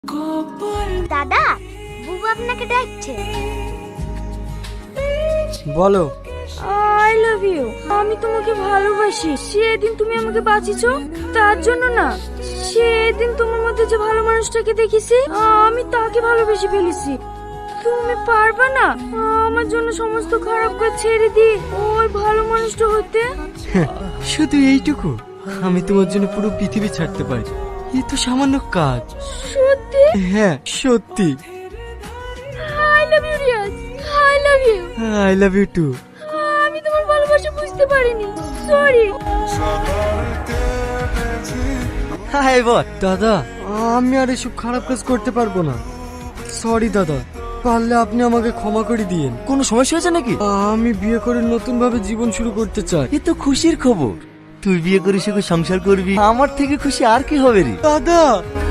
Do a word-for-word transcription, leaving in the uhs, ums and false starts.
দাদা, বুবু আপনাকে ডাকছে। বলো। I love you. আমি তোমাকে ভালোবাসি। সেদিন তুমি আমাকে বাঁচিয়েছো, তার জন্য না, সেদিন তোমার মধ্যে যে ভালো মানুষটাকে দেখেছি, আমি তাকে ভালোবেসে ফেলেছি। তুমি পারবা না আমার জন্য সমস্ত খারাপ কাজ ছেড়ে দিয়ে ওই ভালো মানুষটা হতে? শুধু এইটুকু? আমি তোমার জন্য পুরো পৃথিবী ছাড়তে পারি। এ তো সামান্য কাজ। সত্যি? হ্যাঁ সত্যি। I love you Riyaz. I love you. I love you too. আমি তোমার ভালোবাসা বুঝতে পারিনি, সরি। হাই বল। দাদা, আমি আর এসব খারাপ কাজ করতে পারবো না। সরি দাদা, পারলে আপনি আমাকে ক্ষমা করে দিয়েন। কোনো সমস্যা হয়েছে নাকি? আমি বিয়ে করে নতুন ভাবে জীবন শুরু করতে চাই। এ তো খুশির খবর। তুই বিয়ে করে সুখে সংসার করবি, আমার থেকে খুশি আর কি হবে রে? দাদা।